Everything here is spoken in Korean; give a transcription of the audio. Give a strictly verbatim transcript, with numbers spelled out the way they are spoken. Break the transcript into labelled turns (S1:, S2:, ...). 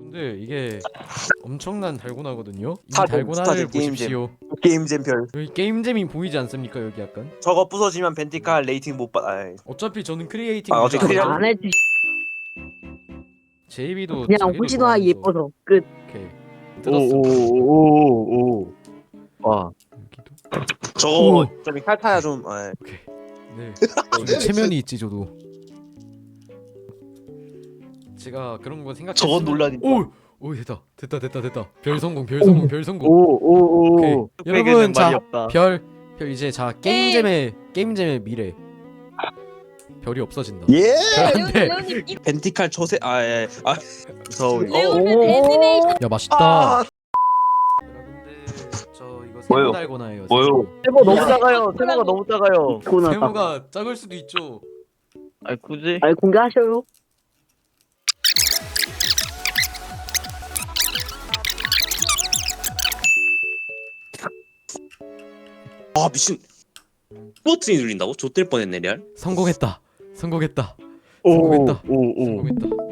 S1: 근데 이게 엄청난 달고나거든요. 이
S2: 스타잼,
S1: 달고나를
S2: 스타잼, 게임잼.
S1: 보십시오.
S2: 게임잼 별.
S1: 여기 게임잼이 보이지 않습니까? 여기 약간.
S2: 저거 부서지면 벤티칼 레이팅 못 받. 아이.
S1: 어차피 저는 크리에이팅
S2: 아,
S1: 모드
S2: 어차피
S1: 안
S2: 그냥-
S1: 해요.
S3: 안 해도
S1: 제이비도
S3: 그냥
S1: 자기도
S3: 호시노아
S1: 좋아하면서.
S3: 예뻐서 끝.
S1: 오케이. 뜯었어.
S4: 오오오오 와
S1: 여기도.
S2: 저거 좀 칼타야 좀. 아이.
S1: 오케이. 네. 저기 체면이 있지 저도. 제가 그런 거 생각.
S2: 저건 논란이다.
S1: 오, 오 됐다, 됐다, 됐다, 됐다. 별 성공, 별 성공, 별 성공.
S4: 오오오
S1: 오케이. 여러분 자,
S4: 없다.
S1: 별, 별 이제 자 게임잼의 게임잼의 미래. 별이 없어진다.
S2: 예.
S1: 별 안 돼.
S5: 레오님 이
S2: 벤티칼 초세. 아 예. 아.
S4: 무서워.
S5: 레오는 애니메이션
S1: 야 맛있다.
S2: 아.
S1: 여러분들 저 이거
S2: 뭐요?
S1: 세모 달고나예요.
S2: 뭐요?
S4: 세모 너무 작아요. 세모가 너무 작아요.
S3: 코나
S1: 세모가 작을 수도 있죠.
S4: 아니 굳이?
S3: 아니 공개하셔요.
S2: 아 미친. 버튼이 눌린다고? 좆될 뻔했네 레알.
S1: 성공했다. 성공했다. 성공했다.
S4: 오오오
S1: 성공했다.